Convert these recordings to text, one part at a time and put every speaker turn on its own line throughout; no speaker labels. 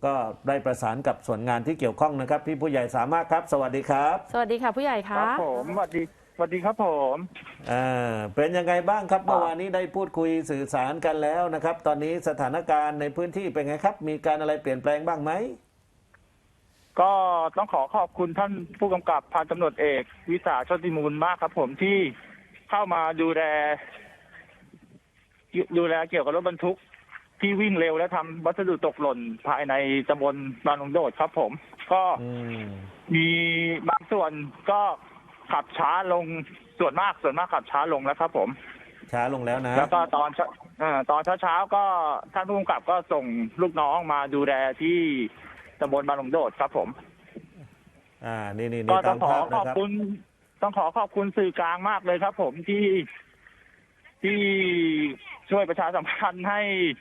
ก็ได้ประสานกับส่วนงานที่เกี่ยวข้องนะครับพี่ผู้ใหญ่สามารถครับสวัสดีครับ
สวัสดีค่ะผู้ใหญ่
ค
คะ
รับผมสวัสดีครับผม
เป็นยังไงบ้างครับเมื่อวานนี้ได้พูดคุยสื่อสารกันแล้วนะครับ ตอนนี้สถานการณ์ในพื้นที่เป็นไงครับ มีการอะไรเปลี่ยนแปลงบ้างไหม
ก็ต้องขอขอบคุณท่านผู้กำกับพันตำรวจเอกวิสาโชติมูลมากครับผมที่เข้ามาดูแลเกี่ยวกับรถบรรทุกที่วิ่งเร็วและทำวัสดุตกหล่นภายในตำบลบางหลวงโดดครับผม ก็มีบางส่วนก็ขับช้าลงส่วนมากขับช้าลงแล้วครับผม
ช้าลงแล้วนะ
แล้วก็ตอนเช้าก็ท่านผู้กำกับก็ส่งลูกน้องมาดูแลที่ตำบลบางหลวงโดดครับผม
นี่
ก็ต้
ตา
อง
ม
ขอ
ภาพ
ข
นะ
อบ
ครับ
คุณสื่อกลางมากเลยครับผมที่ช่วยประชาสัมพันธ์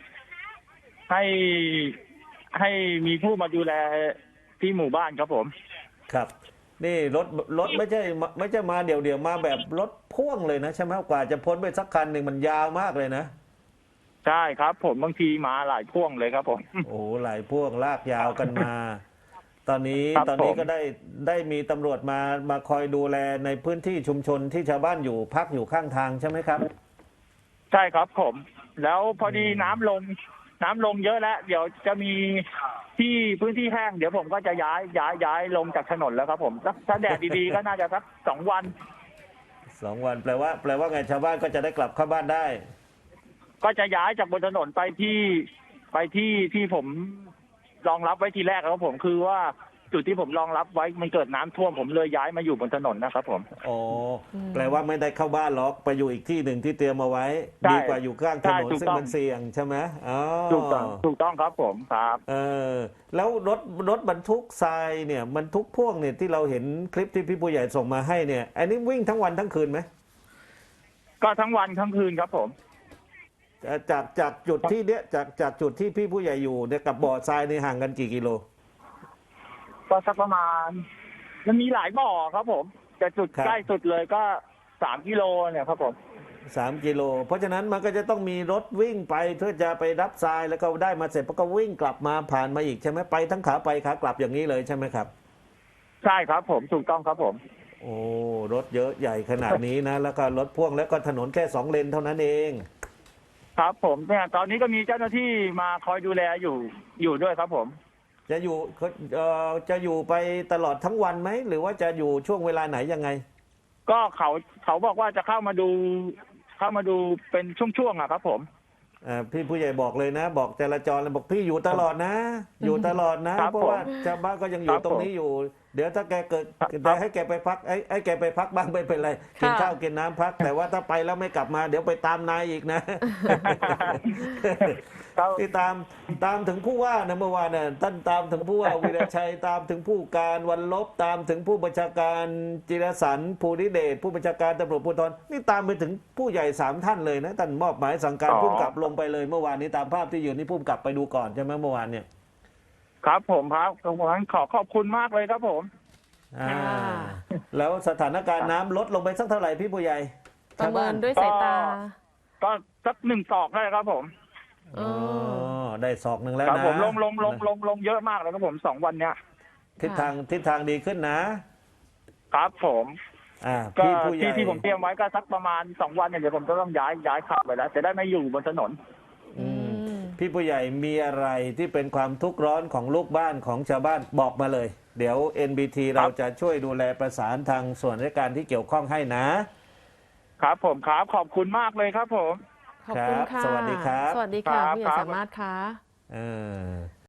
ให้มีผู้มาดูแลที่หมู่บ้านครับผม
ครับ นี่รถไม่ใช่มาเดี่ยวมาแบบรถพ่วงเลยนะใช่ไหมกว่าจะพ้นไปสักคันหนึ่งมันยาวมากเลยนะ
ใช่ครับผมบางทีมาหลายพ่วงเลยครับผม
โอ้หลายพ่วงลากยาวกันมา ตอนนี้
ครับ
ตอนนี้
ผม
ก็ได้มีตำรวจมาคอยดูแลในพื้นที่ชุมชนที่ชาวบ้านอยู่พักอยู่ข้างทางใช่ไหมครับ
ใช่ครับผม แล้วพอดีน้ำลงเยอะแล้ว เดี๋ยวจะมีที่พื้นที่แห้งเดี๋ยวผมก็จะย้ายลงจากถนนแล้วครับผมถ้าแดดดีๆ ก็น่าจะสัก2 วัน
2 วันแปลว่าไงชาวบ้านก็จะได้กลับเข้าบ้านได้
ก็จะย้ายจากบนถนนไปที่ผมรองรับไว้ทีแรกครับผมคือว่าจุดที่ผมรองรับไว้มันเกิดน้ำท่วมผมเลยย้ายมาอยู่บนถนนนะครับผม
อ๋อแปลว่าไม่ได้เข้าบ้านหรอกไปอยู่อีกที่หนึ่งที่เตรียมเอาไว้
ใช่
ดีกว่าอยู่ข้างถนน
ใช่ถูก
ซึ่ง
ต้อง
มันเสี่ยงใช่ไหมอ๋อ
ถูกต้องครับผมครับ
แล้วรถบรรทุกทรายเนี่ยบรรทุกพ่วงเนี่ยที่เราเห็นคลิปที่พี่ผู้ใหญ่ส่งมาให้เนี่ยอันนี้วิ่งทั้งวันทั้งคืนไหม
ก็ทั้งวันทั้งคืนครับผม
จากจุดที่เนี้ยจากจุดที่พี่ผู้ใหญ่อยู่เนี่ยกับบ่อทรายนี่ห่างกันกี่กิโล
ก็สักประมาณมันมีหลายบ่อครับผมแต่จุด
ครับ
ใกล้สุดเลยก็3 กิโลเนี่ยครับผม
3 กิโลเพราะฉะนั้นมันก็จะต้องมีรถวิ่งไปเพื่อจะไปรับทรายแล้วก็ได้มาเสร็จก็วิ่งกลับมาผ่านมาอีกใช่ไหมไปทั้งขาไปขากลับอย่างนี้เลยใช่ไหมครับ
ใช่ครับผมถูกต้องครับผม
โอ้รถเยอะใหญ่ขนาดนี้นะแล้วก็รถพ่วงแล้วก็ถนนแค่2 เลนเท่านั้นเอง
ครับผมเนี่ยตอนนี้ก็มีเจ้าหน้าที่มาคอยดูแลอยู่ด้วยครับผม
จะอยู่ไปตลอดทั้งวันไหมหรือว่าจะอยู่ช่วงเวลาไหนยังไง
ก็เขาบอกว่าจะเข้ามาดูเป็นช่วงๆอะครับผม
พี่ผู้ใหญ่บอกเลยนะ บอกจราจรเลยบอกพี่อยู่ตลอดนะ อยู่ตลอดนะ
ครับ
เพราะว่าชาวบ้านก็ยังอยู่
ครับ
ตรงนี้อยู่ เดี๋ยวถ้าแกเกิด
ครับ
แต่ให้แกไปพักไอ้แกไปพักบ้างไม่เป็นไรกินข้าวกินน้ำพัก แต่ว่าถ้าไปแล้วไม่กลับมา เดี๋ยวไปตามนายอีกนะ
ครับ
ที่ตามถึงผู้ว่านะเมื่อวานน่ะท่านตามถึงผู้ว่า วีรชัยตามถึงผู้การวันลบตามถึงผู้บัญชาการจิรสันต์ภูริเดชผู้บัญชาการตำรวจภูธรนี่ตามไปถึงผู้ใหญ่3 ท่านเลยนะท่านมอบหมายสั่งการผู้กำกับลงไปเลยเมื่อวานนี้ตามภาพที่อยู่นี่ผู้กำกับไปดูก่อนใช่ไหมเมื่อวานเนี่ย
ครับผมครับขอบคุณมากเลยครับผม
อ่า
ค่ะ
แล้วสถานการณ์น้ำลดลงไปสักเท่าไหร่พี่ผู้ใหญ่
ประเมินด้วยสายตา
ก็สัก1 ศอกได้ครับผม
อ๋อได้ศอกหนึ่งแล้ว
ครับ
นะ
ผมลงเยอะมากเลยครับผม2 วันเนี้ย
ทิศทางดีขึ้นนะครับ
ผม ก็
พี่ผู้ใหญ่
ที่ผมเตรียมไว้ก็สักประมาณ2 วันเนี่ยเดี๋ยวผมจะต้องย้ายขับไปแล้วจะได้ไม่อยู่บนถนน
อืมพี่ผู้ใหญ่มีอะไรที่เป็นความทุกข์ร้อนของลูกบ้านของชาวบ้านบอกมาเลย เดี๋ยว NBT เราจะช่วยดูแลประสานทางส่วนราชการที่เกี่ยวข้องให้นะครับ
ผมครับขอบคุณมากเลยครับผม
ขอบคุณค่ะ
สวัสดีครับ
สวัสดีค่ะ
ครับ
ผู้ใหญ่สามารถค่ะ
เออ